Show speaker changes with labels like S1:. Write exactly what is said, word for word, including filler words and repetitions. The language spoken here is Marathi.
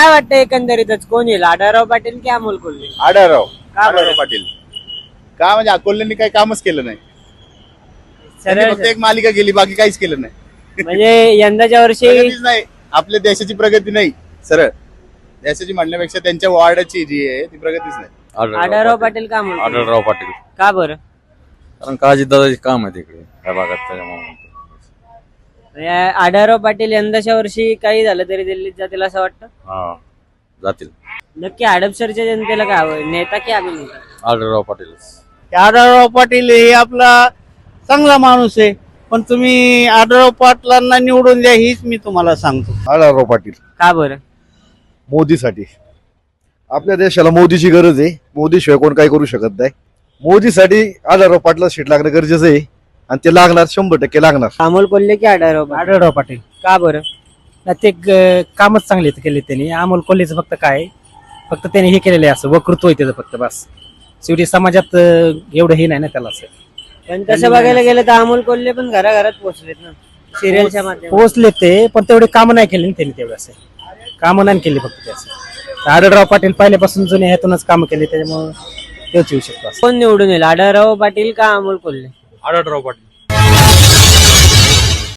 S1: काय वाटतं एकंदरीतच कोण येईल, आढळराव पाटील की अमोल कोल्हे?
S2: आढळराव
S1: का बरं?
S2: आढळराव पाटील. का म्हणजे अकोल्यांनी काही कामच केलं नाही. त्यांनी
S1: सरळ
S2: फक्त एक मालिका केली, बाकी काहीच केलं नाही.
S1: म्हणजे यंदाच्या वर्षी
S2: प्रगतीच नाही. आपल्या देशाची प्रगती नाही. सरळ देशाची म्हणण्यापेक्षा त्यांच्या वॉर्डाची जी आहे ती प्रगतीच नाही.
S1: आढळराव पाटील का अमोल कोल्हे?
S3: आढळराव पाटील.
S1: का बरं?
S3: कारण काळजी दादाचे काम आहे तिकडे या भागात, त्याच्यामुळे
S1: म्हणजे आढळराव पाटील यंदाच्या वर्षी काही झालं तरी दिल्लीत जातील असं वाटतं?
S3: हा जातील.
S1: नक्की हडपसरच्या जनतेला काय हवं, नेता की अभिनेता?
S3: आढळराव पाटीलच.
S4: आढळराव पाटील हे आपला चांगला माणूस आहे, पण तुम्ही आढळराव पाटलांना निवडून द्या हीच मी तुम्हाला सांगतो.
S5: आढळराव पाटील
S1: का बरं?
S5: मोदीसाठी. आपल्या देशाला मोदीची गरज आहे. मोदीशिवाय कोण काही करू शकत नाही. मोदीसाठी आढळराव पाटला सीट लागणं गरजेचं आहे आणि ते लागणार, शंभर टक्के लागणार.
S1: अमोल कोल्हे की आढळराव पाटील?
S6: आढळराव पाटील.
S1: का बरं?
S6: नाही, ते ग- कामच चांगले केले त्यांनी. अमोल कोल्हेचं फक्त काय, फक्त त्याने हे केलेलं आहे, असं वक्तृत्व आहे त्याचं फक्त, बस. शेवटी समाजात अं, एवढं हे नाही ना त्याला असं.
S1: पण तसं बघायला गेलं तर अमोल कोल्हे पण घराघरात पोहोचलेत ना सिरियलच्या माध्यमातून.
S6: पोहोचले ते, पण तेवढे कामं नाही केले ना त्यांनी तेवढं असं. कामं नाही केली फक्त त्याचं. आढळराव पाटील पहिल्यापासून जुने ह्यातूनच कामं केले, त्याच्यामुळे तेच येऊ शकतो असं.
S1: कोण निवडून येईल, आढळराव पाटील का अमोल कोल्हे?
S3: आढळराव पाटील.